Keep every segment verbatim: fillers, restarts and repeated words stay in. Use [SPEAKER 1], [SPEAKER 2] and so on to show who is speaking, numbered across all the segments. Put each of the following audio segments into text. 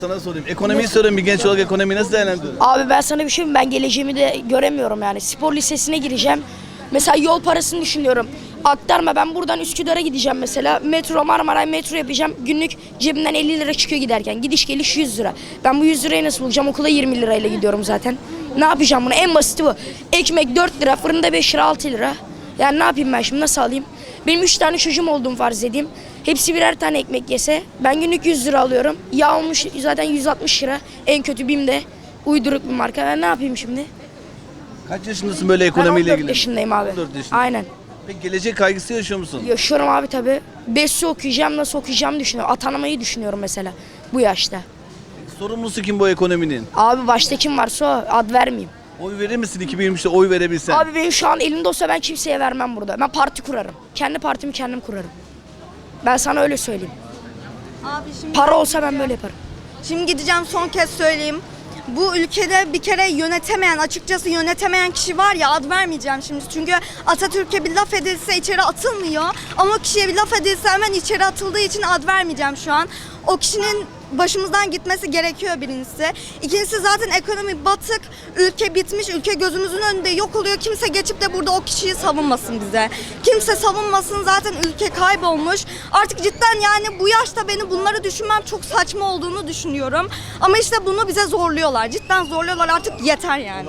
[SPEAKER 1] Sana sorayım. Ekonomiyi sorayım. Bir genç olarak ekonomiyi nasıl değerlendiriyorsun?
[SPEAKER 2] Abi ben sana bir şey mi? Ben geleceğimi de göremiyorum yani. Spor lisesine gireceğim. Mesela yol parasını düşünüyorum. Aktarma, ben buradan Üsküdar'a gideceğim mesela. Metro, Marmaray metro yapacağım. Günlük cebimden elli lira çıkıyor giderken. Gidiş geliş yüz lira. Ben bu yüz lirayı nasıl bulacağım? Okula yirmi lirayla gidiyorum zaten. Ne yapacağım bunu? En basiti bu. Ekmek dört lira, fırında beş lira, altı lira. Yani ne yapayım ben şimdi? Nasıl alayım? Benim üç tane çocuğum olduğumu farz edeyim. Hepsi birer tane ekmek yese ben günlük yüz lira alıyorum. Yağ olmuş zaten yüz altmış lira. En kötü BİM'de uyduruk bir marka. Ben ne yapayım şimdi?
[SPEAKER 1] Kaç yaşındasın böyle
[SPEAKER 2] Ben
[SPEAKER 1] ekonomiyle
[SPEAKER 2] on dört
[SPEAKER 1] ilgili?
[SPEAKER 2] yaşındayım abi.
[SPEAKER 1] on dört yaşında.
[SPEAKER 2] Aynen.
[SPEAKER 1] Peki gelecek kaygısı yaşıyor musun?
[SPEAKER 2] Yaşıyorum abi tabii. BES'i okuyacağım, nasıl okuyacağımı düşünüyorum. Atanamayı düşünüyorum mesela bu yaşta.
[SPEAKER 1] Sorumlusu kim bu ekonominin?
[SPEAKER 2] Abi başta kim varsa o, ad vermeyeyim.
[SPEAKER 1] Oy verir misin iki bin yirmi üçte oy verebilsen?
[SPEAKER 2] Abi benim şu an elimde olsa ben kimseye vermem burada. Ben parti kurarım. Kendi partimi kendim kurarım. Ben sana öyle söyleyeyim.
[SPEAKER 3] Abi şimdi
[SPEAKER 2] Para olsa ben böyle yaparım.
[SPEAKER 3] Şimdi gideceğim, son kez söyleyeyim. Bu ülkede bir kere yönetemeyen, açıkçası yönetemeyen kişi var ya, ad vermeyeceğim şimdi. Çünkü Atatürk'e bir laf edilse içeri atılmıyor. Ama o kişiye bir laf edilse hemen içeri atıldığı için ad vermeyeceğim şu an. O kişinin başımızdan gitmesi gerekiyor birincisi. İkincisi zaten ekonomi batık, ülke bitmiş, ülke gözümüzün önünde yok oluyor. Kimse geçip de burada o kişiyi savunmasın bize. Kimse savunmasın, zaten ülke kaybolmuş. Artık cidden yani bu yaşta beni bunları düşünmem çok saçma olduğunu düşünüyorum. Ama işte bunu bize zorluyorlar. Cidden zorluyorlar, artık yeter yani.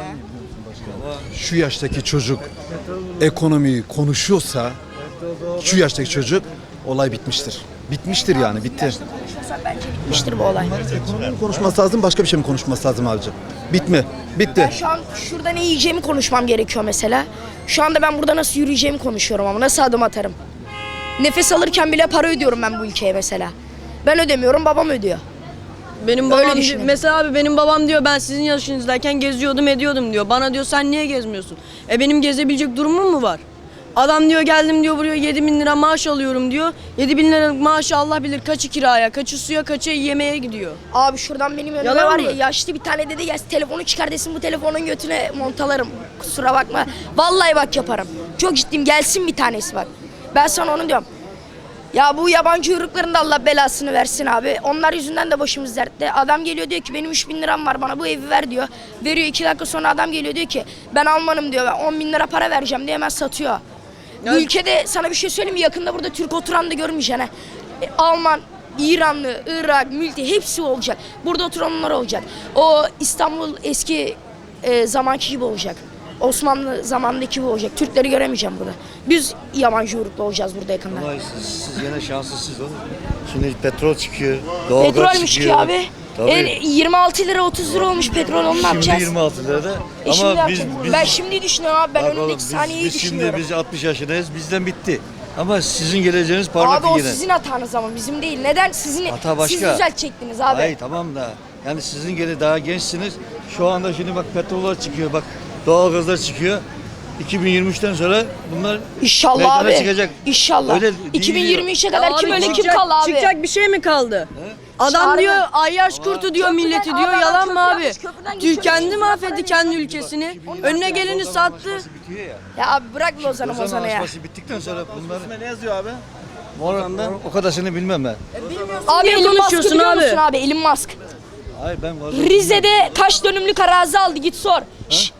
[SPEAKER 4] Şu yaştaki çocuk ekonomiyi konuşuyorsa, şu yaştaki çocuk olay bitmiştir. Bitmiştir yani, bitti.
[SPEAKER 2] Konuşmasam bence bitmiştir bu olay.
[SPEAKER 4] Ekonomi konuşması lazım, başka bir şey mi konuşması lazım abicim? Bitme, bitti.
[SPEAKER 2] Ben şu an şurada ne yiyeceğimi konuşmam gerekiyor mesela. Şu anda ben burada nasıl yürüyeceğimi konuşuyorum ama nasıl adım atarım. Nefes alırken bile para ödüyorum ben bu ülkeye mesela. Ben ödemiyorum, babam ödüyor.
[SPEAKER 5] Benim
[SPEAKER 2] Öyle
[SPEAKER 5] babam
[SPEAKER 2] düşünün.
[SPEAKER 5] mesela abi benim babam diyor ben sizin yaşınızdayken geziyordum ediyordum diyor. Bana diyor sen niye gezmiyorsun? E benim gezebilecek durumum mu var? Adam diyor geldim diyor buraya yedi bin lira maaş alıyorum diyor. yedi bin lira maaşı Allah bilir kaçı kiraya, kaçı suya, kaçı yemeğe gidiyor.
[SPEAKER 2] Abi şuradan benim önümde
[SPEAKER 5] Yalan
[SPEAKER 2] var
[SPEAKER 5] mı?
[SPEAKER 2] ya, yaşlı bir tane dedi gelsin telefonu çıkar desin, bu telefonun götüne montalarım. Kusura bakma. Vallahi bak yaparım. Çok ciddiyim, gelsin bir tanesi bak. Ben sana onu diyorum. Ya bu yabancı uyrukların da Allah belasını versin abi. Onlar yüzünden de başımız dertte. Adam geliyor diyor ki benim üç bin liram var, bana bu evi ver diyor. Veriyor, iki dakika sonra adam geliyor diyor ki ben Almanım diyor. Ben on bin lira para vereceğim diye hemen satıyor. Bu
[SPEAKER 5] Ya-
[SPEAKER 2] ülkede sana bir şey söyleyeyim mi? Yakında burada Türk oturan da görmeyeceksin ha. E, Alman, İranlı, Irak, mülti hepsi olacak. Burada oturanlar olacak. O İstanbul eski e, zamanki gibi olacak. Osmanlı zamanındaki gibi olacak. Türkleri göremeyeceğim burada. Biz yabancı uyruklu olacağız burada yakında.
[SPEAKER 6] Vallahi siz, siz yine şanslısınız oğlum. Şimdi petrol çıkıyor, doğalgaz
[SPEAKER 2] Petrolmüş
[SPEAKER 6] çıkıyor.
[SPEAKER 2] ki abi.
[SPEAKER 6] Tabii.
[SPEAKER 2] E, yirmi altı lira otuz lira olmuş petrol, onu ne
[SPEAKER 6] Şimdi
[SPEAKER 2] yapacağız?
[SPEAKER 6] yirmi altı lirada.
[SPEAKER 2] E şimdi
[SPEAKER 6] Ama biz,
[SPEAKER 2] yapacağız.
[SPEAKER 6] biz
[SPEAKER 2] ben şimdi düşünüyorum abi, ben
[SPEAKER 6] bak oğlum,
[SPEAKER 2] önümdeki
[SPEAKER 6] biz,
[SPEAKER 2] saniyeyi
[SPEAKER 6] biz şimdi
[SPEAKER 2] düşünüyorum.
[SPEAKER 6] biz altmış yaşındayız. Bizden bitti. Ama sizin geleceğiniz parlak
[SPEAKER 2] Abi o
[SPEAKER 6] yine.
[SPEAKER 2] sizin hatanız ama bizim değil. Neden? Sizin,
[SPEAKER 6] Hata başka.
[SPEAKER 2] siz düzeltecektiniz abi.
[SPEAKER 6] Hayır tamam da. Yani sizin gele daha gençsiniz. Şu anda şimdi bak petrollar çıkıyor. Bak doğalgazlar çıkıyor. iki bin yirmi üçten sonra bunlar
[SPEAKER 2] İnşallah
[SPEAKER 6] meydana
[SPEAKER 2] abi.
[SPEAKER 6] çıkacak.
[SPEAKER 2] İnşallah.
[SPEAKER 6] Öyle
[SPEAKER 2] iki bin
[SPEAKER 6] değil
[SPEAKER 2] yirmi üçe kadar
[SPEAKER 5] Ya
[SPEAKER 2] kim
[SPEAKER 5] abi
[SPEAKER 2] öyle kim
[SPEAKER 5] çıkacak-
[SPEAKER 2] kaldı abi?
[SPEAKER 5] Çıkacak bir şey mi kaldı? Adam
[SPEAKER 2] Çağırın.
[SPEAKER 5] diyor ayyaş kurtu diyor
[SPEAKER 2] Köprüden-
[SPEAKER 5] milleti
[SPEAKER 2] abi
[SPEAKER 5] diyor
[SPEAKER 2] adam
[SPEAKER 5] yalan mı
[SPEAKER 2] köprü
[SPEAKER 5] abi?
[SPEAKER 2] yapmış, köprüden
[SPEAKER 5] Türk
[SPEAKER 2] geçiyor,
[SPEAKER 5] kendi
[SPEAKER 2] yüz lira
[SPEAKER 5] mahvetti
[SPEAKER 2] para
[SPEAKER 5] kendi
[SPEAKER 2] veriyor.
[SPEAKER 5] ülkesini. Önüne geleni sattı.
[SPEAKER 6] bitiyor ya.
[SPEAKER 2] Ya abi bırak Lozan'ı
[SPEAKER 6] Lozan
[SPEAKER 2] Mozan'ı ya.
[SPEAKER 6] Anlaşması bittikten sonra bunlar
[SPEAKER 1] Ne yazıyor abi?
[SPEAKER 6] Moranda o kadarını bilmem ben.
[SPEAKER 2] Abi
[SPEAKER 5] Niye
[SPEAKER 2] Elon Musk'ı
[SPEAKER 5] konuşuyorsun
[SPEAKER 2] biliyor
[SPEAKER 5] abi?
[SPEAKER 2] musun abi? Elon Musk.
[SPEAKER 6] Hayır ben vazgeçtim.
[SPEAKER 2] Rize'de kaç dönümlük arazi aldı, git sor. Şşş.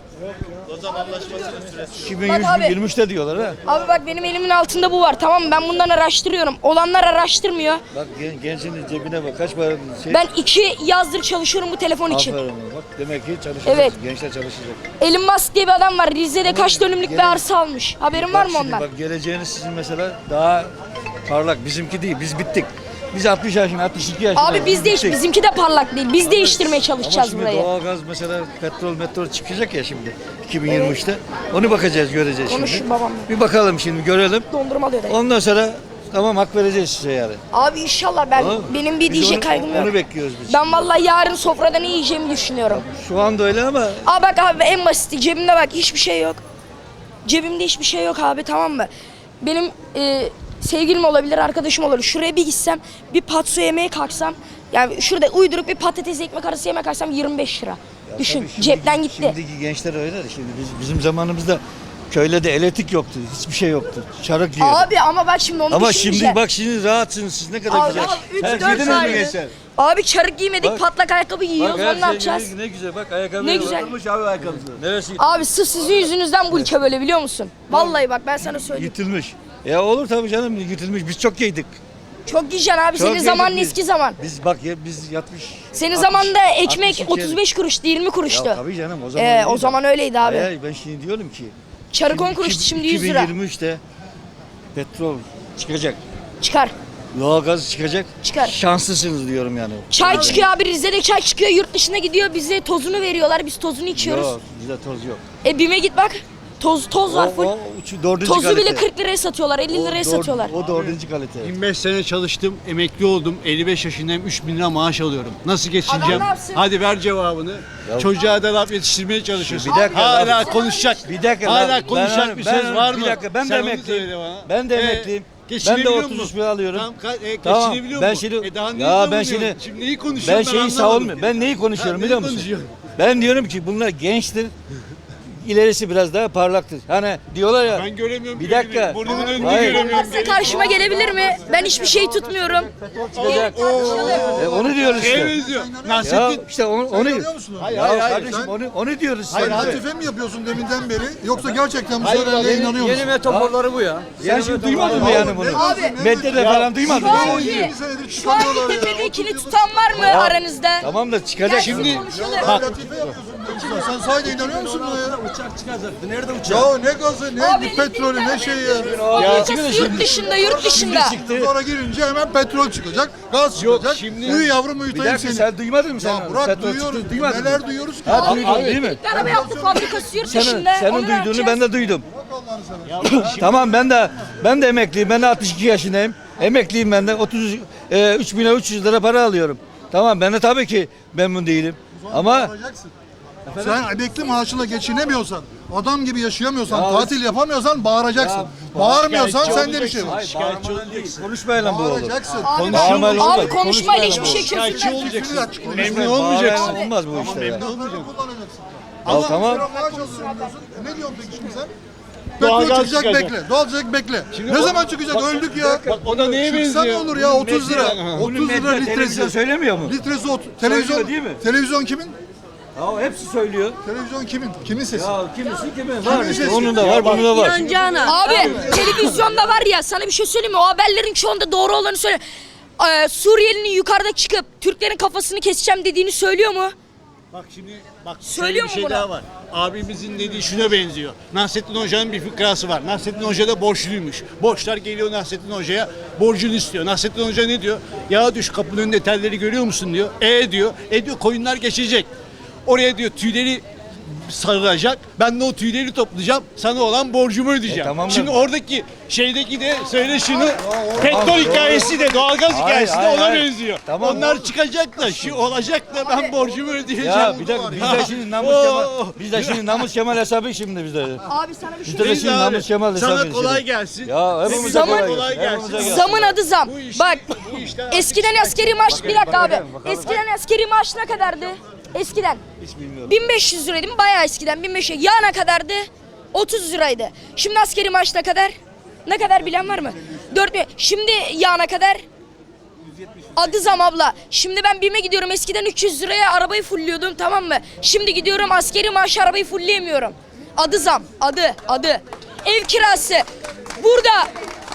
[SPEAKER 6] iki bin
[SPEAKER 2] Bak abi.
[SPEAKER 6] yirmi üçte diyorlar ha.
[SPEAKER 2] Abi bak benim elimin altında bu var, tamam mı? Ben bundan araştırıyorum. Olanlar araştırmıyor.
[SPEAKER 6] Bak gen, gencin cebine bak kaç para şey.
[SPEAKER 2] Ben iki yazdır çalışıyorum bu telefon için.
[SPEAKER 6] Aferin bak demek ki çalışacak.
[SPEAKER 2] Evet.
[SPEAKER 6] Gençler çalışacak.
[SPEAKER 2] Elon Musk diye bir adam var. Rize'de kaç dönümlük bir arsa almış. Haberin var
[SPEAKER 6] Bak
[SPEAKER 2] mı
[SPEAKER 6] şimdi
[SPEAKER 2] ondan?
[SPEAKER 6] Bak geleceğiniz sizin mesela daha parlak. Bizimki değil. Biz bittik. Biz altmış yaşında, altmış iki yaşında.
[SPEAKER 2] Abi biz değiş,
[SPEAKER 6] bittik.
[SPEAKER 2] bizimki de parlak değil. Biz değiştirmeye
[SPEAKER 6] Ama
[SPEAKER 2] çalışacağız
[SPEAKER 6] şimdi
[SPEAKER 2] burayı.
[SPEAKER 6] doğalgaz mesela petrol metrol çıkacak ya şimdi iki bin yirmi üçte. Onu bakacağız, göreceğiz
[SPEAKER 2] Konuş
[SPEAKER 6] şimdi.
[SPEAKER 2] babamla.
[SPEAKER 6] Bir bakalım şimdi görelim.
[SPEAKER 2] Dondurma alıyor dayı.
[SPEAKER 6] Ondan sonra tamam hak vereceğiz size yani.
[SPEAKER 2] Abi inşallah, ben
[SPEAKER 6] Tamam mı?
[SPEAKER 2] benim bir
[SPEAKER 6] Biz
[SPEAKER 2] diyecek
[SPEAKER 6] onu-
[SPEAKER 2] kaygım yok.
[SPEAKER 6] Onu bekliyoruz biz.
[SPEAKER 2] Ben vallahi yarın sofrada ne yiyeceğimi düşünüyorum.
[SPEAKER 6] Şu anda öyle ama
[SPEAKER 2] Aa bak abi, en basiti cebimde bak hiçbir şey yok. Cebimde hiçbir şey yok abi, tamam mı? Benim e, sevgilim olabilir, arkadaşım olabilir. Şuraya bir gitsem, bir patso yemeye kalksam, yani şurada uydurup bir patates ekmek arası yemeye kalksam yirmi beş lira. Düşün,
[SPEAKER 6] tabii şimdi-
[SPEAKER 2] cepten gitti.
[SPEAKER 6] Şimdiki gençler öyle de şimdi biz, bizim zamanımızda köyde de elektrik yoktu. Hiçbir şey yoktu. Çarık yiyordu.
[SPEAKER 2] Abi ama bak şimdi onu
[SPEAKER 6] Ama
[SPEAKER 2] düşününce.
[SPEAKER 6] şimdi bak şimdi rahatsınız siz ne kadar
[SPEAKER 2] Abi,
[SPEAKER 6] güzel.
[SPEAKER 2] abi, üç,
[SPEAKER 6] Her
[SPEAKER 2] dört
[SPEAKER 6] yediniz mi
[SPEAKER 2] aydır-
[SPEAKER 6] gençler?
[SPEAKER 2] Abi çarık giymedik,
[SPEAKER 6] Bak.
[SPEAKER 2] patlak ayakkabı giyiyoruz.
[SPEAKER 6] Bak
[SPEAKER 2] Onu ne
[SPEAKER 6] her
[SPEAKER 2] yapacağız?
[SPEAKER 6] şey ne, ne güzel bak ayakkabı.
[SPEAKER 2] Ne güzel.
[SPEAKER 1] Kırmış abi ayakkabısı.
[SPEAKER 6] Neresi
[SPEAKER 2] Abi sırf sizin yüzünüzden bu ülke böyle, biliyor musun? Vallahi bak ben sana söyleyeyim.
[SPEAKER 6] yırtılmış? Ya olur tabii canım yırtılmış. Biz çok giydik.
[SPEAKER 2] Çok giyeceksin abi.
[SPEAKER 6] Çok
[SPEAKER 2] Senin zamanın
[SPEAKER 6] yedik biz.
[SPEAKER 2] eski zaman.
[SPEAKER 6] Biz bak ya biz yatmış.
[SPEAKER 2] Senin
[SPEAKER 6] altmış,
[SPEAKER 2] zamanında ekmek
[SPEAKER 6] altmış iki
[SPEAKER 2] otuz beş kuruştu, yirmi kuruştu.
[SPEAKER 6] Ya tabii canım o zaman.
[SPEAKER 2] Ee,
[SPEAKER 6] öyleydi.
[SPEAKER 2] o zaman öyleydi abi.
[SPEAKER 6] Hayır, ben şimdi diyorum ki.
[SPEAKER 2] Çarık on
[SPEAKER 6] şimdi
[SPEAKER 2] kuruştu,
[SPEAKER 6] iki-
[SPEAKER 2] şimdi yüz lira.
[SPEAKER 6] iki bin yirmi üçte petrol çıkacak.
[SPEAKER 2] Çıkar.
[SPEAKER 6] Doğalgaz çıkacak.
[SPEAKER 2] Çıkar.
[SPEAKER 6] Şanslısınız diyorum yani.
[SPEAKER 2] Çay çıkıyor abi, Rize'de çay çıkıyor, yurt dışına gidiyor, bize tozunu veriyorlar, biz tozunu içiyoruz.
[SPEAKER 6] Yok bizde toz yok.
[SPEAKER 2] E BİM'e git bak, toz toz var
[SPEAKER 6] O,
[SPEAKER 2] full.
[SPEAKER 6] o uç- dördüncü
[SPEAKER 2] Tozu
[SPEAKER 6] kalite.
[SPEAKER 2] bile kırk liraya satıyorlar, elli
[SPEAKER 6] O
[SPEAKER 2] liraya
[SPEAKER 6] dör-
[SPEAKER 2] satıyorlar.
[SPEAKER 6] O dördüncü kalite.
[SPEAKER 7] yirmi beş sene çalıştım, emekli oldum. elli beş yaşındayım, üç bin lira maaş alıyorum. Nasıl geçineceğim?
[SPEAKER 2] Adam ne yapsın?
[SPEAKER 7] Hadi ver cevabını. Çocuğa da laf yetiştirmeye çalışıyorsun.
[SPEAKER 6] Bir dakika,
[SPEAKER 7] Hala
[SPEAKER 6] laf-
[SPEAKER 7] konuşacak.
[SPEAKER 6] Bir dakika.
[SPEAKER 7] Hala
[SPEAKER 6] ben-
[SPEAKER 7] konuşacak
[SPEAKER 6] ben-
[SPEAKER 7] bir
[SPEAKER 6] ben-
[SPEAKER 7] söz var mı?
[SPEAKER 6] Bir dakika ben de
[SPEAKER 7] Sen onu
[SPEAKER 6] emekliyim.
[SPEAKER 7] söyle bana.
[SPEAKER 6] Ben de
[SPEAKER 7] Ee,
[SPEAKER 6] emekliyim. Ben de
[SPEAKER 7] geçinebiliyor
[SPEAKER 6] otuz üç
[SPEAKER 7] musun?
[SPEAKER 6] bin alıyorum.
[SPEAKER 7] Tamam, ka- e,
[SPEAKER 6] Tamam,
[SPEAKER 7] geçinebiliyor
[SPEAKER 6] ben
[SPEAKER 7] mu?
[SPEAKER 6] şimdi-
[SPEAKER 7] E daha neyi
[SPEAKER 6] ya ben
[SPEAKER 7] savunuyorsun?
[SPEAKER 6] şimdi-
[SPEAKER 7] Şimdi neyi
[SPEAKER 6] Ben
[SPEAKER 7] konuşuyorsun?
[SPEAKER 6] şeyi
[SPEAKER 7] anlamadım
[SPEAKER 6] savunmuyorum.
[SPEAKER 7] ki.
[SPEAKER 6] Ben neyi konuşuyorum
[SPEAKER 7] Ha,
[SPEAKER 6] biliyor
[SPEAKER 7] neyi
[SPEAKER 6] musun?
[SPEAKER 7] konuşuyorsun?
[SPEAKER 6] Ben diyorum ki bunlar gençtir. İlerisi biraz daha parlaktır. Hani diyorlar ya.
[SPEAKER 7] Ben göremiyorum.
[SPEAKER 6] Bir dakika.
[SPEAKER 7] Burnumun önünde
[SPEAKER 6] Hayır.
[SPEAKER 7] göremiyorum.
[SPEAKER 2] Size karşıma gelebilir mi? Ben hiçbir şey tutmuyorum.
[SPEAKER 6] Çıkacak. E, onu diyoruz
[SPEAKER 7] Şeye
[SPEAKER 6] işte.
[SPEAKER 7] benziyor.
[SPEAKER 6] Ya
[SPEAKER 7] Nasrettin.
[SPEAKER 6] işte onu, onu,
[SPEAKER 4] Görüyor musun?
[SPEAKER 7] Hayır,
[SPEAKER 6] ya
[SPEAKER 7] hayır, hayır.
[SPEAKER 6] kardeşim onu, onu diyoruz işte.
[SPEAKER 4] Hayır,
[SPEAKER 6] bize.
[SPEAKER 4] hatice mi yapıyorsun deminden beri yoksa gerçekten bu
[SPEAKER 7] Hayır,
[SPEAKER 4] söylediğine
[SPEAKER 7] yeni-
[SPEAKER 4] inanıyor musun?
[SPEAKER 6] metaforları bu ya. Sen şimdi duymadın mı yani bunu?
[SPEAKER 2] Abi,
[SPEAKER 6] Medyada falan duymadın mı?
[SPEAKER 2] Şu an,
[SPEAKER 4] yirmi senedir
[SPEAKER 2] şu an
[SPEAKER 4] çıkarıyorlar ya.
[SPEAKER 2] tepedekini tutan var mı aranızda?
[SPEAKER 6] Tamam da çıkacak
[SPEAKER 2] Şimdi
[SPEAKER 6] şimdi.
[SPEAKER 4] Ya
[SPEAKER 7] Bak.
[SPEAKER 4] latife yapıyorsun. Sen sahiden inanıyor musun buna ya?
[SPEAKER 6] Uçak çıkacaktı. Nerede uçak?
[SPEAKER 4] Ya ne gazı, ne
[SPEAKER 2] Abi,
[SPEAKER 4] petrolü, ne şey ya.
[SPEAKER 2] Fabrikası yurt dışında, yurt dışında.
[SPEAKER 4] Sonra girince hemen petrol çıkacak, gaz çıkacak.
[SPEAKER 7] şimdi-
[SPEAKER 4] Uyu yavrum
[SPEAKER 6] Bir
[SPEAKER 4] uyutayım
[SPEAKER 6] dakika
[SPEAKER 4] seni.
[SPEAKER 6] sen duymadın mı sen?
[SPEAKER 4] Ya bırak
[SPEAKER 6] Petrol
[SPEAKER 4] duyuyoruz.
[SPEAKER 6] çıktı, duymadın mı?
[SPEAKER 4] Neler duyuyoruz ki?
[SPEAKER 6] Ha duydun değil mi?
[SPEAKER 2] Araba yaptı, fabrikası yurt
[SPEAKER 6] Senin,
[SPEAKER 2] dışında.
[SPEAKER 6] senin
[SPEAKER 2] Onu ne
[SPEAKER 6] duyduğunu
[SPEAKER 2] yapacağız?
[SPEAKER 6] ben de duydum. Tamam ben de ben de emekliyim. Ben de altmış iki yaşındayım. Emekliyim ben de. otuz üç bin üç yüz lira para alıyorum. Tamam ben de tabii ki memnun değilim. Ama
[SPEAKER 4] Bağıracaksın. Sen emekli maaşına geçinemiyorsan, adam gibi yaşayamıyorsan,
[SPEAKER 6] Ya
[SPEAKER 4] tatil yapamıyorsan bağıracaksın. Bağırmıyorsan sende bir şey var.
[SPEAKER 6] bağırmadan değil. Konuşmayalım bu olur.
[SPEAKER 4] Bağıracaksın.
[SPEAKER 2] Abi,
[SPEAKER 6] Bağırmayla olmaz.
[SPEAKER 2] abi konuşmayla hiçbir şey
[SPEAKER 7] Şikayetçi
[SPEAKER 2] çözülmez.
[SPEAKER 7] olacaksın.
[SPEAKER 4] Konuşmayla
[SPEAKER 7] Memnun
[SPEAKER 6] Bağırmayla
[SPEAKER 7] olmayacaksın.
[SPEAKER 6] Olmaz bu işte. ya.
[SPEAKER 4] Kullanacaksın.
[SPEAKER 6] Ya tamam.
[SPEAKER 4] Maaş alıyorum diyorsun. E ne diyorsun peki şimdi sen?
[SPEAKER 7] Doğalgaz
[SPEAKER 4] Petrol çıkacak
[SPEAKER 7] çıkacak.
[SPEAKER 4] bekle. Doğal çıkacak bekle. Ne zaman çıkacak? Öldük ya.
[SPEAKER 7] Bak o da neye
[SPEAKER 4] Çıksa ne
[SPEAKER 7] benziyor?
[SPEAKER 4] olur ya otuz lira.
[SPEAKER 6] Bunu
[SPEAKER 4] otuz lira
[SPEAKER 6] medya, televizyon
[SPEAKER 4] litresi.
[SPEAKER 6] söylemiyor mu?
[SPEAKER 4] Litresi ot. Televizyon
[SPEAKER 6] değil mi?
[SPEAKER 4] Televizyon kimin?
[SPEAKER 6] Ya hepsi söylüyor.
[SPEAKER 4] Televizyon kimin? Kimin sesi?
[SPEAKER 6] Ya kimisi kimin var işte.
[SPEAKER 4] sesi?
[SPEAKER 6] Onun da var, bunun da var.
[SPEAKER 5] İnancana.
[SPEAKER 2] Abi televizyonda var ya, sana bir şey söyleyeyim mi? O haberlerin çoğunda doğru olanı söyle. Ee, Suriyelinin yukarıda çıkıp Türklerin kafasını keseceğim dediğini söylüyor mu?
[SPEAKER 7] Bak şimdi bak
[SPEAKER 2] Söylüyor
[SPEAKER 7] şöyle bir
[SPEAKER 2] mu
[SPEAKER 7] şey
[SPEAKER 2] bunu?
[SPEAKER 7] daha var. Abimizin dediği şuna benziyor. Nasrettin Hoca'nın bir fıkrası var. Nasrettin Hoca da borçluymuş. Borçlar geliyor Nasrettin Hoca'ya, borcunu istiyor. Nasrettin Hoca ne diyor? Ya düş kapının önünde telleri görüyor musun diyor. E diyor. E diyor koyunlar geçecek. Oraya diyor tüyleri sarılacak. Ben de o tüyleri toplayacağım. Sana olan borcumu ödeyeceğim.
[SPEAKER 6] E, tamam da-
[SPEAKER 7] Şimdi oradaki şeydeki de söyle şunu. Petrol hikayesi de doğalgaz
[SPEAKER 6] Hayır,
[SPEAKER 7] hikayesi de
[SPEAKER 6] hayır,
[SPEAKER 7] ona
[SPEAKER 6] hayır.
[SPEAKER 7] benziyor.
[SPEAKER 6] Tamam.
[SPEAKER 7] Onlar çıkacak da şu olacak da ben borcumu ödeyeceğim.
[SPEAKER 6] Ya bir dakika biz de şimdi namus
[SPEAKER 7] Oo.
[SPEAKER 6] kemal biz de şimdi namus kemal hesabı şimdi bizde.
[SPEAKER 2] Abi sana bir şey
[SPEAKER 6] Biz de
[SPEAKER 7] Neyse
[SPEAKER 6] şimdi
[SPEAKER 7] abi,
[SPEAKER 6] namus kemal hesabı.
[SPEAKER 7] sana
[SPEAKER 6] şimdi.
[SPEAKER 7] kolay gelsin.
[SPEAKER 6] Ya hepimize
[SPEAKER 7] Zaman-
[SPEAKER 6] kolay,
[SPEAKER 7] kolay
[SPEAKER 6] gelsin.
[SPEAKER 7] gelsin.
[SPEAKER 6] Hepimize gelsin.
[SPEAKER 2] Zamın adı zam.
[SPEAKER 7] Bu işler-
[SPEAKER 2] Bak
[SPEAKER 7] bu işler-
[SPEAKER 2] eskiden askeri maaş, bir dakika abi.
[SPEAKER 6] bakalım, bakalım.
[SPEAKER 2] Eskiden askeri maaş ne kadardı? Eskiden.
[SPEAKER 6] Hiç bilmiyorum.
[SPEAKER 2] bin beş yüz liraydı mı? Bayağı eskiden bin beş yüz. Ya ne kadardı? otuz liraydı. Şimdi askeri maaş ne kadar? Ne kadar bilen var mı? dört bin. Şimdi ya ne kadar? Adı zam abla. Şimdi ben BİM'e gidiyorum. Eskiden üç yüz liraya arabayı fulliyordum, tamam mı? Şimdi gidiyorum askeri maaş arabayı fullleyemiyorum. Adı zam. Adı. Adı. Ev kirası. Burada.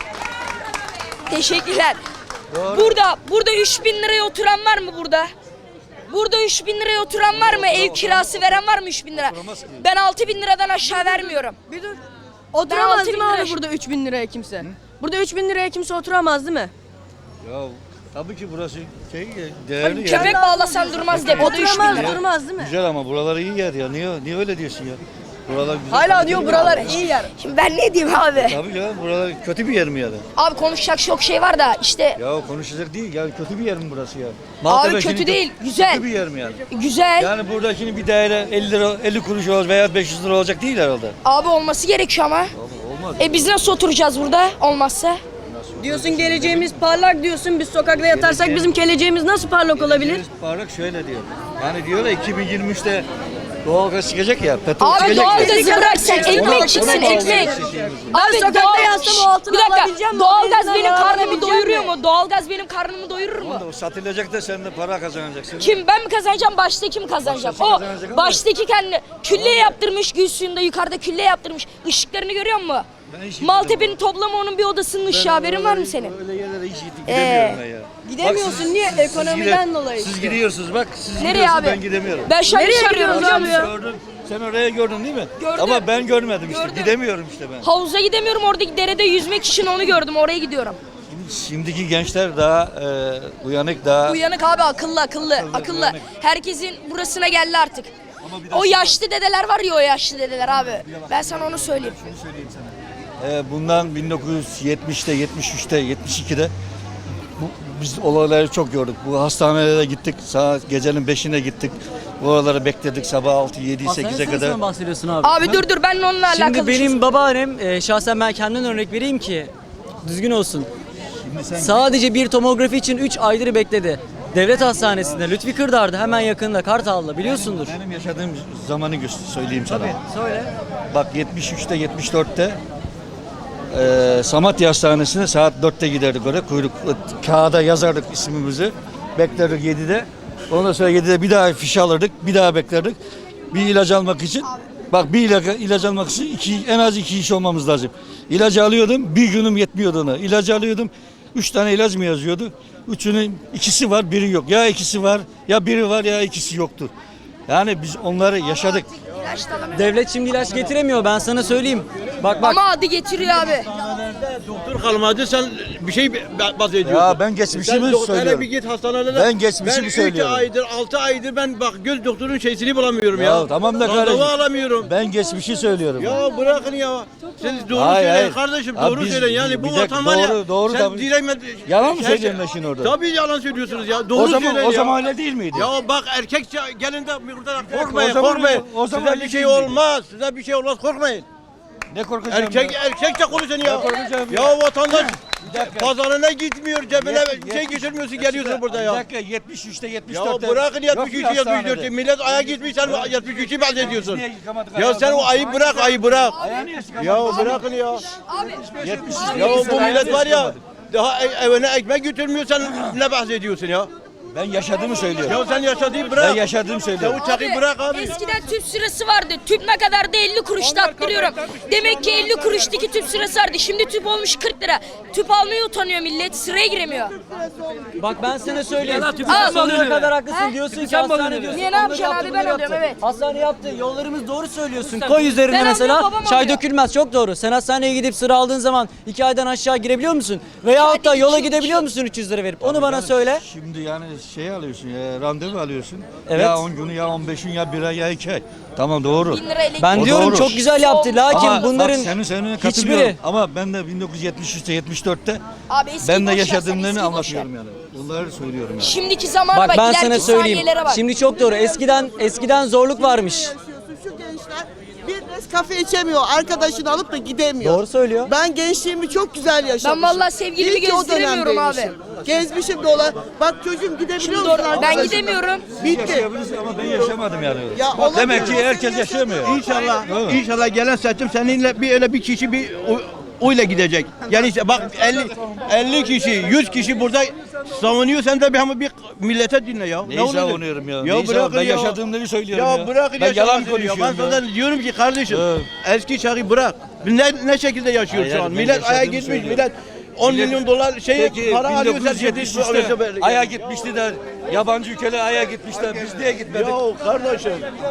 [SPEAKER 2] Teşekkürler. Burada. Burada üç bin liraya oturan var mı burada? Burada üç bin liraya oturan var mı? Ev kirası veren var mı üç bin lira? Ben altı bin liradan aşağı vermiyorum.
[SPEAKER 5] Bir dur.
[SPEAKER 2] Ben
[SPEAKER 5] Oturamaz
[SPEAKER 2] altı
[SPEAKER 5] değil mi
[SPEAKER 2] bin lira-
[SPEAKER 5] abi burada üç bin liraya kimse? Burada üç bin liraya kimse oturamaz değil mi?
[SPEAKER 6] Ya tabii ki burası şey değerli yer.
[SPEAKER 2] Köpek bağlasan durmaz depoda üç bin
[SPEAKER 5] Oturamaz
[SPEAKER 2] lira.
[SPEAKER 5] durmaz değil mi?
[SPEAKER 6] Güzel ama buralar iyi yer ya. Niye niye öyle diyorsun ya? Buralar güzel.
[SPEAKER 5] Hala diyor buralar iyi yer.
[SPEAKER 2] Şimdi ben ne diyeyim abi?
[SPEAKER 6] Tabii canım buralar kötü bir yer mi ya da?
[SPEAKER 2] Abi konuşacak çok şey var da işte
[SPEAKER 6] Ya konuşacak değil ya kötü bir yer mi burası ya?
[SPEAKER 2] Abi
[SPEAKER 6] Maltepe
[SPEAKER 2] kötü
[SPEAKER 6] şimdi
[SPEAKER 2] değil, güzel.
[SPEAKER 6] Kötü bir yer mi yani?
[SPEAKER 2] güzel.
[SPEAKER 6] Yani burada şimdi bir daire elli lira elli kuruş olacak veya beş yüz lira olacak değil herhalde.
[SPEAKER 2] Abi olması gerekiyor ama.
[SPEAKER 6] Olmaz.
[SPEAKER 2] E biz nasıl oturacağız burada olmazsa?
[SPEAKER 5] Diyorsun geleceğimiz parlak diyorsun. Biz sokakta yatarsak
[SPEAKER 6] Geleceğim-
[SPEAKER 5] bizim geleceğimiz nasıl parlak olabilir?
[SPEAKER 6] Parlak şöyle diyor. Yani diyorlar iki bin yirmi üçte Doğalgaz çıkacak ya. Petrol
[SPEAKER 2] Abi
[SPEAKER 6] çıkacak ya.
[SPEAKER 2] doğalgazı bırak sen ekmek çıksın ekmek. Abi
[SPEAKER 5] sokakta
[SPEAKER 2] doğal-
[SPEAKER 5] yatsam
[SPEAKER 2] Şşş,
[SPEAKER 5] o altını
[SPEAKER 2] bir dakika
[SPEAKER 5] alabileceğim mi?
[SPEAKER 2] doğalgaz
[SPEAKER 5] Benzinden
[SPEAKER 2] benim karnımı
[SPEAKER 5] alabileceğim
[SPEAKER 2] doyuruyor
[SPEAKER 5] mi?
[SPEAKER 2] mu? Doğalgaz benim karnımı doyurur mu?
[SPEAKER 6] O satılacak da sen de para kazanacaksın.
[SPEAKER 2] Kim ben mi kazanacağım baştaki mi kazanacak?
[SPEAKER 6] Baştaki
[SPEAKER 2] O
[SPEAKER 6] kazanacak ama-
[SPEAKER 2] baştaki kendi külle yaptırmış gül suyunda yukarıda külle yaptırmış. Işıklarını görüyor musun?
[SPEAKER 6] Ben hiç
[SPEAKER 2] Maltepe'nin toplamı onun bir odasının ışığı haberin var mı senin?
[SPEAKER 6] Öyle yerlere hiç gidemiyorum
[SPEAKER 2] Ee,
[SPEAKER 6] ben ya.
[SPEAKER 5] Gidemiyorsun,
[SPEAKER 6] Bak siz-
[SPEAKER 5] niye?
[SPEAKER 6] siz- siz
[SPEAKER 5] Ekonomiden
[SPEAKER 6] gide-
[SPEAKER 5] dolayı
[SPEAKER 6] Siz
[SPEAKER 5] işte.
[SPEAKER 6] gidiyorsunuz bak siz
[SPEAKER 2] Nereye
[SPEAKER 6] gidiyorsunuz
[SPEAKER 2] abi?
[SPEAKER 6] ben gidemiyorum.
[SPEAKER 2] Ben şu an
[SPEAKER 5] Nereye
[SPEAKER 2] iş arıyorum
[SPEAKER 5] gidiyorsun
[SPEAKER 2] biliyor
[SPEAKER 5] abi
[SPEAKER 2] musun?
[SPEAKER 5] ya?
[SPEAKER 6] Gördüm. Sen oraya gördün değil mi?
[SPEAKER 2] Gördüm.
[SPEAKER 6] Ama ben görmedim işte.
[SPEAKER 2] Gördüm.
[SPEAKER 6] Gidemiyorum işte ben.
[SPEAKER 2] Havuza gidemiyorum oradaki derede yüzmek için onu gördüm oraya gidiyorum.
[SPEAKER 6] Şimdiki gençler daha e, uyanık daha.
[SPEAKER 2] Uyanık abi akıllı akıllı akıllı.
[SPEAKER 6] uyanık.
[SPEAKER 2] Herkesin burasına geldi artık.
[SPEAKER 6] Ama bir de
[SPEAKER 2] O
[SPEAKER 6] şu-
[SPEAKER 2] yaşlı dedeler var ya o yaşlı dedeler abi. Ben sana onu söyleyeyim.
[SPEAKER 6] E, bundan bin dokuz yüz yetmişte, yetmiş üçte, yetmiş ikide bu, biz olayları çok gördük. Bu hastanelere gittik. Saat gecenin beşine gittik. Bu oraları bekledik sabah altı, yedi, sekize kadar.
[SPEAKER 8] Sen bahsediyorsun abi.
[SPEAKER 2] Abi dur dur ben onunla alakalı.
[SPEAKER 8] Şimdi
[SPEAKER 2] bir şey
[SPEAKER 8] benim babaannem e, şahsen ben kendimden örnek vereyim ki düzgün olsun.
[SPEAKER 6] Şimdi sen
[SPEAKER 8] Sadece bir tomografi için üç aydır bekledi. Devlet hastanesinde Lütfi Kırdar'da hemen yakında Kartal'da biliyorsundur.
[SPEAKER 6] benim yaşadığım zamanı gö- söyleyeyim sana.
[SPEAKER 8] Söyle.
[SPEAKER 6] Bak yetmiş üçte, yetmiş dörtte e, Samatya Hastanesi'ne saat dörtte giderdik oraya. Kuyruk kağıda yazardık ismimizi. Beklerdik yedide. Ondan sonra yedide bir daha fiş alırdık. Bir daha beklerdik. Bir ilaç almak için. Bak bir ilaç, ilaç almak için iki, en az iki iş olmamız lazım. İlacı alıyordum. Bir günüm yetmiyordu ona. İlacı alıyordum. Üç tane ilaç mı yazıyordu? Üçünün ikisi var, biri yok. Ya ikisi var, ya biri var, ya ikisi yoktur. Yani biz onları yaşadık.
[SPEAKER 8] Devlet şimdi ilaç getiremiyor ben sana söyleyeyim. Bak bak.
[SPEAKER 2] Ama adı getiriyor abi.
[SPEAKER 7] Doktor kalmadı sen bir şey bahsediyorsun.
[SPEAKER 6] Ya ben geçmişimi söylüyorum.
[SPEAKER 7] bir git hastanelere.
[SPEAKER 6] Ben geçmişimi söylüyorum.
[SPEAKER 7] Ben üç aydır altı aydır ben bak göz doktorun şeysini bulamıyorum ya.
[SPEAKER 6] Ya tamam da
[SPEAKER 7] Randevu
[SPEAKER 6] kardeşim.
[SPEAKER 7] alamıyorum.
[SPEAKER 6] Ben geçmişi söylüyorum.
[SPEAKER 7] Ya bırakın ya. Siz doğru
[SPEAKER 6] Hayır,
[SPEAKER 7] söyleyin
[SPEAKER 6] hayır.
[SPEAKER 7] kardeşim
[SPEAKER 6] Ya
[SPEAKER 7] doğru
[SPEAKER 6] biz-
[SPEAKER 7] söyleyin. Yani bu
[SPEAKER 6] bir dakika,
[SPEAKER 7] vatan var ya.
[SPEAKER 6] doğru- doğru
[SPEAKER 7] sen
[SPEAKER 6] tabii.
[SPEAKER 7] direkt
[SPEAKER 6] Yalan mı
[SPEAKER 7] Her
[SPEAKER 6] söylüyorum
[SPEAKER 7] şey-
[SPEAKER 6] ben şimdi orada?
[SPEAKER 7] Tabii yalan söylüyorsunuz ya. Doğru
[SPEAKER 6] O zaman
[SPEAKER 7] söyleyin
[SPEAKER 6] o
[SPEAKER 7] ya.
[SPEAKER 6] zaman öyle değil miydi?
[SPEAKER 7] Ya bak erkekçe gelin de burada korkmayın
[SPEAKER 6] o zaman-
[SPEAKER 7] korkmayın.
[SPEAKER 6] o zaman
[SPEAKER 7] Size
[SPEAKER 6] öyle
[SPEAKER 7] bir şey
[SPEAKER 6] değil miydi?
[SPEAKER 7] olmaz. Size bir şey olmaz korkmayın.
[SPEAKER 6] Ne korkacağım
[SPEAKER 7] Erkek
[SPEAKER 6] ya?
[SPEAKER 7] erkekçe konuşun ya.
[SPEAKER 6] korkacağım
[SPEAKER 7] Ya
[SPEAKER 6] ya?
[SPEAKER 7] vatandaş
[SPEAKER 6] Bir dakika.
[SPEAKER 7] pazarına gitmiyor cebine
[SPEAKER 6] Yet-
[SPEAKER 7] bir şey
[SPEAKER 6] yetmiş-
[SPEAKER 7] geçirmiyorsun geliyorsun
[SPEAKER 6] Şurada,
[SPEAKER 7] burada
[SPEAKER 6] Bir
[SPEAKER 7] ya.
[SPEAKER 6] dakika yetmiş üçte yetmiş
[SPEAKER 7] Ya
[SPEAKER 6] dörtte.
[SPEAKER 7] bırakın yetmiş üçü yetmiş
[SPEAKER 6] hastanede.
[SPEAKER 7] dörtü millet aya gitmiş sen yetmiş üçü bahsediyorsun.
[SPEAKER 6] Niye yıkamadık
[SPEAKER 7] Ya
[SPEAKER 6] ayağı?
[SPEAKER 7] sen o ayı bırak ayı bırak.
[SPEAKER 6] Ayağı niye yıkamadık?
[SPEAKER 7] Ya bırakın ya.
[SPEAKER 6] yetmiş
[SPEAKER 7] Ya bu
[SPEAKER 6] ayağı
[SPEAKER 7] millet
[SPEAKER 6] niye
[SPEAKER 7] var ya
[SPEAKER 6] yıkamadık?
[SPEAKER 7] daha e- evine ekmek götürmüyor sen ne bahsediyorsun ya?
[SPEAKER 6] Ben yaşadığımı söylüyorum.
[SPEAKER 7] Ya sen yaşadığını
[SPEAKER 6] Ben
[SPEAKER 7] bırak.
[SPEAKER 6] yaşadığımı
[SPEAKER 7] Ya
[SPEAKER 6] söylüyorum.
[SPEAKER 7] uçağı bırak abi.
[SPEAKER 2] Eskiden tüp sırası vardı. Tüp ne kadar da elli kuruşta attırıyorum. Demek ki elli kuruştaki tüp sırası vardı. Şimdi tüp olmuş kırk lira. Tüp almaya utanıyor millet. Sıraya giremiyor.
[SPEAKER 8] Bak ben sana söyleyeyim.
[SPEAKER 2] Al.
[SPEAKER 8] Sonuna kadar haklısın
[SPEAKER 2] Ha?
[SPEAKER 8] diyorsun ki hastane diyorsun.
[SPEAKER 2] Niye, ne
[SPEAKER 8] onları
[SPEAKER 2] yapacaksın
[SPEAKER 8] yaptı,
[SPEAKER 2] abi?
[SPEAKER 8] bunu
[SPEAKER 2] Ben alıyorum,
[SPEAKER 8] yaptı.
[SPEAKER 2] evet.
[SPEAKER 8] Hastane yaptı. Yollarımız doğru söylüyorsun. Koy üzerine
[SPEAKER 2] Ben
[SPEAKER 8] mesela
[SPEAKER 2] alıyorum, babam
[SPEAKER 8] çay
[SPEAKER 2] alıyor.
[SPEAKER 8] dökülmez. Çok doğru. Sen hastaneye gidip sıra aldığın zaman iki aydan aşağı girebiliyor musun? Veyahut da
[SPEAKER 2] Hadi
[SPEAKER 8] yola
[SPEAKER 2] iki-
[SPEAKER 8] gidebiliyor
[SPEAKER 2] iki-
[SPEAKER 8] musun üç yüz lira verip? Onu bana söyle.
[SPEAKER 6] Şimdi yani şey alıyorsun ya randevu alıyorsun.
[SPEAKER 8] Evet.
[SPEAKER 6] Ya on günü ya on beş gün ya bir ay ya iki ay. Tamam doğru.
[SPEAKER 2] Bin lira elektrik.
[SPEAKER 8] Ben
[SPEAKER 6] O
[SPEAKER 8] diyorum
[SPEAKER 6] doğru.
[SPEAKER 8] çok güzel yaptı. Lakin
[SPEAKER 6] Ama
[SPEAKER 8] bunların
[SPEAKER 6] bak senin seninle katılıyorum.
[SPEAKER 8] hiçbiri
[SPEAKER 6] Ama ben de bin dokuz yüz yetmiş üçte yetmiş dörtte
[SPEAKER 2] Abi eskiyi
[SPEAKER 6] ben de
[SPEAKER 2] boş ver, sen
[SPEAKER 6] yaşadığımlarını
[SPEAKER 2] eskiyi boş ver.
[SPEAKER 6] anlatıyorum yani. Bunları söylüyorum yani.
[SPEAKER 2] Şimdiki zamana bak,
[SPEAKER 8] bak ben sana
[SPEAKER 2] ileriki
[SPEAKER 8] söyleyeyim.
[SPEAKER 2] saniyelere bak.
[SPEAKER 8] Şimdi çok doğru. Eskiden eskiden zorluk varmış.
[SPEAKER 9] Şu gençler bir Nescafe içemiyor. Arkadaşını alıp da gidemiyor.
[SPEAKER 8] Doğru söylüyor.
[SPEAKER 9] Ben gençliğimi çok güzel yaşamışım.
[SPEAKER 2] Ben vallahi sevgilimi
[SPEAKER 9] İyi ki o
[SPEAKER 2] gezdiremiyorum abi.
[SPEAKER 9] dönemdeymişim. Gezmişim dola. Bak çocuğum gidebiliyor
[SPEAKER 2] Şimdi
[SPEAKER 9] musun
[SPEAKER 2] doğru. Ben
[SPEAKER 9] arkadaşına?
[SPEAKER 2] gidemiyorum.
[SPEAKER 9] Bitti.
[SPEAKER 6] Yaşayabilirsin ama ben yaşamadım yani.
[SPEAKER 9] Ya
[SPEAKER 6] Bak,
[SPEAKER 9] olabilir,
[SPEAKER 6] demek ki
[SPEAKER 9] olabilir,
[SPEAKER 6] herkes yaşamıyor.
[SPEAKER 7] İnşallah,
[SPEAKER 6] Evet.
[SPEAKER 7] inşallah gelen seçim seninle bir öyle bir kişi bir o- oyla gidecek. Yani işte bak elli elli kişi, yüz kişi burada savunuyor sen de bir ama bir millete dinle ya.
[SPEAKER 6] Neyi
[SPEAKER 7] oluyor?
[SPEAKER 6] savunuyorum ya?
[SPEAKER 7] Ya
[SPEAKER 6] Neyi
[SPEAKER 7] bırakın
[SPEAKER 6] savunuyorum? Ben
[SPEAKER 7] ya.
[SPEAKER 6] yaşadığımları söylüyorum
[SPEAKER 7] Ya,
[SPEAKER 6] ya.
[SPEAKER 7] bırakın
[SPEAKER 6] Ben yalan
[SPEAKER 7] yaşamasını ya.
[SPEAKER 6] konuşuyorum
[SPEAKER 7] Ben
[SPEAKER 6] ya.
[SPEAKER 7] sana diyorum ki kardeşim
[SPEAKER 6] Evet.
[SPEAKER 7] eski çağı bırak. Biz Ne, ne şekilde yaşıyoruz
[SPEAKER 6] Hayır,
[SPEAKER 7] şu an?
[SPEAKER 6] ben
[SPEAKER 7] Millet aya
[SPEAKER 6] yaşadığımı
[SPEAKER 7] gitmiş,
[SPEAKER 6] söylüyorum.
[SPEAKER 7] millet on
[SPEAKER 6] Millet-
[SPEAKER 7] milyon dolar şey
[SPEAKER 6] Peki
[SPEAKER 7] para alıyor sen
[SPEAKER 6] bin dokuz yüz yetmiş üçte aya gitmişti de yabancı ülkeler aya gitmişler. Biz niye gitmedik?
[SPEAKER 7] Ya kardeşim.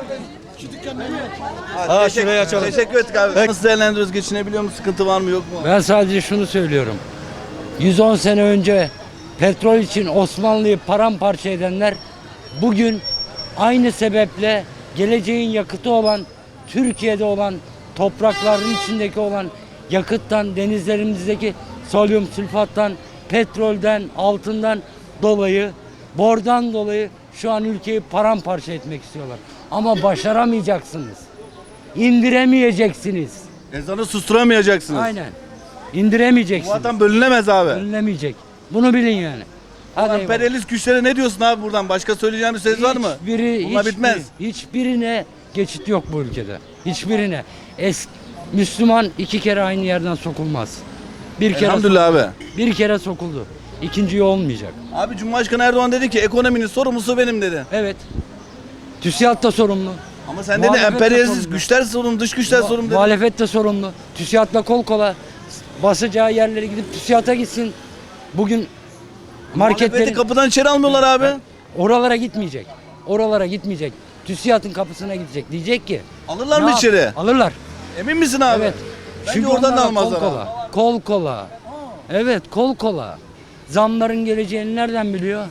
[SPEAKER 6] Ha şurayı açalım.
[SPEAKER 1] Teşekkür ettik abi. Nasıl değerlendiriyoruz? Geçinebiliyor mu? Sıkıntı var mı yok mu?
[SPEAKER 10] Ben sadece şunu söylüyorum. yüz on sene önce petrol için Osmanlı'yı paramparça edenler bugün aynı sebeple geleceğin yakıtı olan Türkiye'de olan toprakların içindeki olan yakıttan, denizlerimizdeki sodyum sülfattan, petrolden, altından dolayı, bordan dolayı şu an ülkeyi paramparça etmek istiyorlar. Ama başaramayacaksınız. İndiremeyeceksiniz.
[SPEAKER 1] Ezanı susturamayacaksınız.
[SPEAKER 10] Aynen.
[SPEAKER 1] Bu
[SPEAKER 10] İndiremeyeceksiniz.
[SPEAKER 1] vatan bölünemez abi.
[SPEAKER 10] Önlemeyecek. Bunu bilin yani. Hadi eyvallah.
[SPEAKER 1] Emperyalist güçlere ne diyorsun abi buradan? Başka söyleyeceğin bir söz var mı?
[SPEAKER 10] Hiçbiri,
[SPEAKER 1] Bunlar
[SPEAKER 10] hiçbiri-
[SPEAKER 1] bitmez.
[SPEAKER 10] Hiçbirine geçit yok bu ülkede. Hiçbirine. Es Müslüman iki kere aynı yerden sokulmaz. Bir kere
[SPEAKER 1] Elhamdülillah abi.
[SPEAKER 10] bir kere sokuldu. İkinciyi olmayacak.
[SPEAKER 1] Abi Cumhurbaşkanı Erdoğan dedi ki ekonominin sorumlusu benim dedi.
[SPEAKER 10] Evet. TÜSİAD da sorumlu.
[SPEAKER 1] Ama sen dedin
[SPEAKER 10] Muhalefet de
[SPEAKER 1] emperyalist
[SPEAKER 10] sorumlu.
[SPEAKER 1] güçler sorumlu, dış güçler
[SPEAKER 10] Mu-
[SPEAKER 1] sorumlu dedin.
[SPEAKER 10] Muhalefet de sorumlu. TÜSİAD'la kol kola basacağı yerlere gidip TÜSİAD'a gitsin. Bugün
[SPEAKER 1] Muhalefeti
[SPEAKER 10] marketlerin
[SPEAKER 1] kapıdan içeri almıyorlar abi.
[SPEAKER 10] oralara gitmeyecek. Oralara gitmeyecek. TÜSİAD'ın kapısına gidecek. Diyecek ki
[SPEAKER 1] Alırlar
[SPEAKER 10] ne
[SPEAKER 1] mı
[SPEAKER 10] yap-
[SPEAKER 1] içeri?
[SPEAKER 10] Alırlar.
[SPEAKER 1] Emin misin abi?
[SPEAKER 10] Evet.
[SPEAKER 1] Bence oradan da
[SPEAKER 10] onlarla
[SPEAKER 1] almazlar
[SPEAKER 10] Kol
[SPEAKER 1] abi.
[SPEAKER 10] kola. Kol kola. Evet, kol kola. Zamların geleceğini nereden biliyor?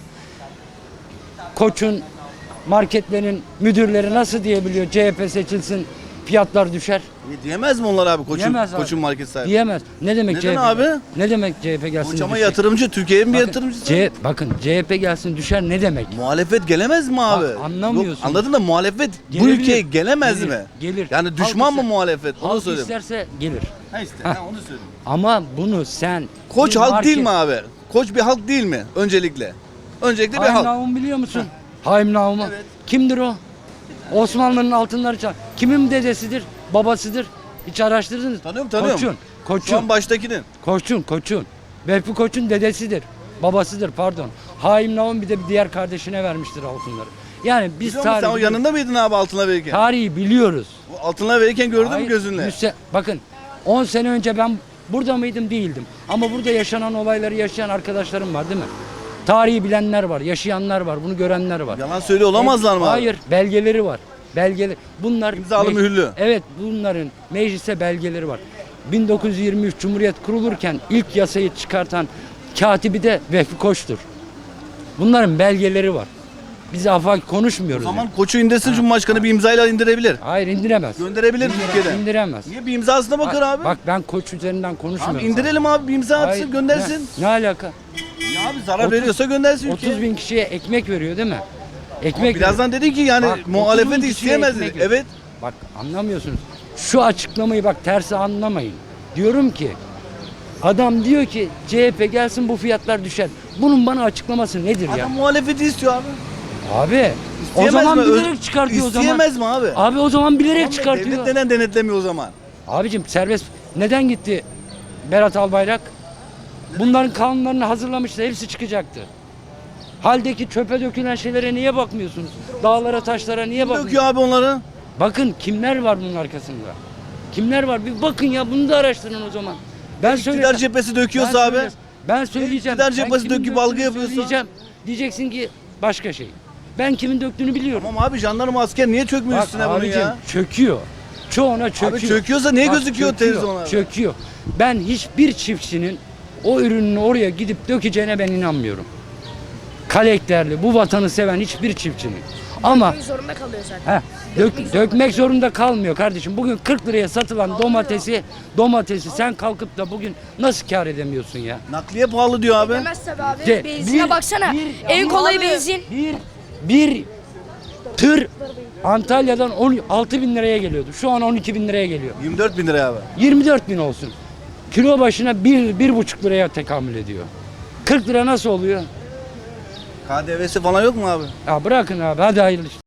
[SPEAKER 10] Koç'un, marketlerin müdürleri nasıl diyebiliyor? C H P seçilsin, fiyatlar düşer.
[SPEAKER 1] E, Diyemez mi onlar abi koçun,
[SPEAKER 10] Diyemez abi.
[SPEAKER 1] koçun market sahibi?
[SPEAKER 10] Diyemez. Ne demek
[SPEAKER 1] Neden
[SPEAKER 10] C H P?
[SPEAKER 1] abi?
[SPEAKER 10] Ne demek C H P gelsin?
[SPEAKER 1] Koç ama
[SPEAKER 10] düşer?
[SPEAKER 1] yatırımcı, Türkiye'nin bir
[SPEAKER 10] Bakın,
[SPEAKER 1] yatırımcısı.
[SPEAKER 10] C, bakın C H P gelsin düşer ne demek?
[SPEAKER 1] Muhalefet gelemez mi abi?
[SPEAKER 10] Bak, anlamıyorsun.
[SPEAKER 1] Yok, anladın da muhalefet bu
[SPEAKER 10] Gelebilir.
[SPEAKER 1] ülkeye gelemez
[SPEAKER 10] Gelir,
[SPEAKER 1] mi?
[SPEAKER 10] gelir.
[SPEAKER 1] Yani
[SPEAKER 10] Halk
[SPEAKER 1] düşman mı
[SPEAKER 10] ister-
[SPEAKER 1] muhalefet? Onu
[SPEAKER 10] Halk
[SPEAKER 1] söyleyeyim.
[SPEAKER 10] isterse gelir.
[SPEAKER 1] Ha işte,
[SPEAKER 10] Heh.
[SPEAKER 1] ha, onu söyleyeyim.
[SPEAKER 10] Ama bunu sen...
[SPEAKER 1] Koç
[SPEAKER 10] bir
[SPEAKER 1] halk
[SPEAKER 10] market-
[SPEAKER 1] değil mi abi? Koç bir halk değil mi? Öncelikle. Öncelikle bir
[SPEAKER 10] Haim
[SPEAKER 1] halk.
[SPEAKER 10] Naum biliyor musun? Haim Naum'u.
[SPEAKER 1] Evet.
[SPEAKER 10] Kimdir o? Osmanlı'nın altınları çal. Kimin dedesidir? Babasıdır. Hiç araştırdınız mı?
[SPEAKER 1] Tanıyorum, tanıyorum.
[SPEAKER 10] Koçun.
[SPEAKER 1] Şu
[SPEAKER 10] Koçun.
[SPEAKER 1] an baştakinin.
[SPEAKER 10] Koçun. Koçun. Vehbi Koç'un dedesidir. Babasıdır pardon. Haim Naum bir de bir diğer kardeşine vermiştir altınları. Yani biz
[SPEAKER 1] Biliyor musun, sen o
[SPEAKER 10] tarihi,
[SPEAKER 1] yanında mıydın abi altına verirken?
[SPEAKER 10] tarihi biliyoruz.
[SPEAKER 1] O altına verirken gördün mü
[SPEAKER 10] Hayır,
[SPEAKER 1] gözünle?
[SPEAKER 10] yüz se- bakın on sene önce ben burada mıydım değildim. Ama burada yaşanan olayları yaşayan arkadaşlarım var değil mi? Tarihi bilenler var, yaşayanlar var, bunu görenler var.
[SPEAKER 1] Yalan söylüyor olamazlar mı abi?
[SPEAKER 10] Hayır, belgeleri var. Belgeleri. Bunlar
[SPEAKER 1] İmzalı,
[SPEAKER 10] mec-
[SPEAKER 1] mühürlü.
[SPEAKER 10] Evet, bunların meclise belgeleri var. bin dokuz yüz yirmi üç Cumhuriyet kurulurken ilk yasayı çıkartan katibi de Vehbi Koç'tur. Bunların belgeleri var. Biz afaki
[SPEAKER 1] O
[SPEAKER 10] konuşmuyoruz.
[SPEAKER 1] zaman
[SPEAKER 10] yani.
[SPEAKER 1] koçu indirsin Cumhurbaşkanı bir imzayla indirebilir.
[SPEAKER 10] Hayır, indiremez.
[SPEAKER 1] Gönderebilir Türkiye'den.
[SPEAKER 10] İndiremez.
[SPEAKER 1] Niye bir imzasına bakar abi?
[SPEAKER 10] Bak ben Koç üzerinden konuşmuyorum.
[SPEAKER 1] Abi indirelim abi bir imza atsın
[SPEAKER 10] Hayır,
[SPEAKER 1] göndersin.
[SPEAKER 10] Ne, ne alaka?
[SPEAKER 1] Ya abi zarar
[SPEAKER 10] otuz-
[SPEAKER 1] veriyorsa göndersin ülkeye.
[SPEAKER 10] otuz bin kişiye ekmek veriyor değil mi?
[SPEAKER 1] Ama
[SPEAKER 10] Ekmek
[SPEAKER 1] birazdan dedi ki yani
[SPEAKER 10] Bak, otuz bin
[SPEAKER 1] muhalefet
[SPEAKER 10] kişiye
[SPEAKER 1] isteyemez dedi.
[SPEAKER 10] ekmek veriyor.
[SPEAKER 1] Evet.
[SPEAKER 10] Bak anlamıyorsunuz. Şu açıklamayı bak tersi anlamayın. Diyorum ki adam diyor ki C H P gelsin bu fiyatlar düşer. Bunun bana açıklaması nedir ya?
[SPEAKER 1] Adam muhalefeti istiyor abi.
[SPEAKER 10] Abi o
[SPEAKER 1] İsteyemez
[SPEAKER 10] zaman
[SPEAKER 1] mi? Öz-
[SPEAKER 10] bilerek çıkartıyor o zaman.
[SPEAKER 1] İsteyemez mi abi?
[SPEAKER 10] Abi o zaman bilerek
[SPEAKER 1] Ama
[SPEAKER 10] çıkartıyor.
[SPEAKER 1] Devlet neden denetlemiyor o zaman?
[SPEAKER 10] Abicim serbest neden gitti Berat Albayrak? Bunların kanunlarını hazırlamıştı. Hepsi çıkacaktı. Haldeki çöpe dökülen şeylere niye bakmıyorsunuz? Dağlara, taşlara niye bakmıyorsunuz?
[SPEAKER 1] Döküyor abi onları.
[SPEAKER 10] Bakın kimler var bunun arkasında? Kimler var? Bir bakın ya bunu da araştırın o zaman. Ben
[SPEAKER 1] İktidar
[SPEAKER 10] söyleyeceğim.
[SPEAKER 1] cephesi döküyorsa
[SPEAKER 10] Ben
[SPEAKER 1] abi.
[SPEAKER 10] söyleyeceğim. Ben söyleyeceğim.
[SPEAKER 1] İktidar
[SPEAKER 10] Ben
[SPEAKER 1] cephesi
[SPEAKER 10] kimin
[SPEAKER 1] döküp
[SPEAKER 10] döktüğünü
[SPEAKER 1] algı yapıyorsa-
[SPEAKER 10] söyleyeceğim. Diyeceksin ki başka şey. Ben kimin döktüğünü biliyorum.
[SPEAKER 1] Tamam abi jandarma asker niye çökmüyor
[SPEAKER 10] Bak
[SPEAKER 1] üstüne bunu
[SPEAKER 10] abicim
[SPEAKER 1] ya?
[SPEAKER 10] çöküyor. Çoğuna çöküyor.
[SPEAKER 1] Abi çöküyorsa niye
[SPEAKER 10] Bak,
[SPEAKER 1] gözüküyor
[SPEAKER 10] çöküyor,
[SPEAKER 1] televizyonlarda?
[SPEAKER 10] Çöküyor. Ben hiçbir çiftçinin o ürününü oraya gidip dökeceğine ben inanmıyorum. Karakterli, bu vatanı seven hiçbir çiftçinin. Ama
[SPEAKER 2] Dökmek zorunda kalıyor zaten.
[SPEAKER 10] Heh, dök, dökmek zorunda kalmıyor kardeşim. Bugün kırk liraya satılan domatesi, domatesi sen kalkıp da bugün nasıl kâr edemiyorsun ya?
[SPEAKER 1] Nakliye pahalı diyor abi.
[SPEAKER 2] Demez tabii abi.
[SPEAKER 10] De-
[SPEAKER 2] Benzine
[SPEAKER 10] bir-
[SPEAKER 2] baksana.
[SPEAKER 10] bir-
[SPEAKER 2] en
[SPEAKER 10] ama
[SPEAKER 2] kolay
[SPEAKER 10] abi,
[SPEAKER 2] benzin.
[SPEAKER 10] Bir, bir tır Antalya'dan on altı bin liraya geliyordu. Şu an on iki bin liraya geliyor.
[SPEAKER 1] yirmi dört bin lira abi.
[SPEAKER 10] yirmi dört bin olsun. Kilo başına bir, bir buçuk liraya tekamül ediyor. kırk lira nasıl oluyor?
[SPEAKER 1] K D V'si falan yok mu abi?
[SPEAKER 10] Ya bırakın abi hadi hayırlı işler.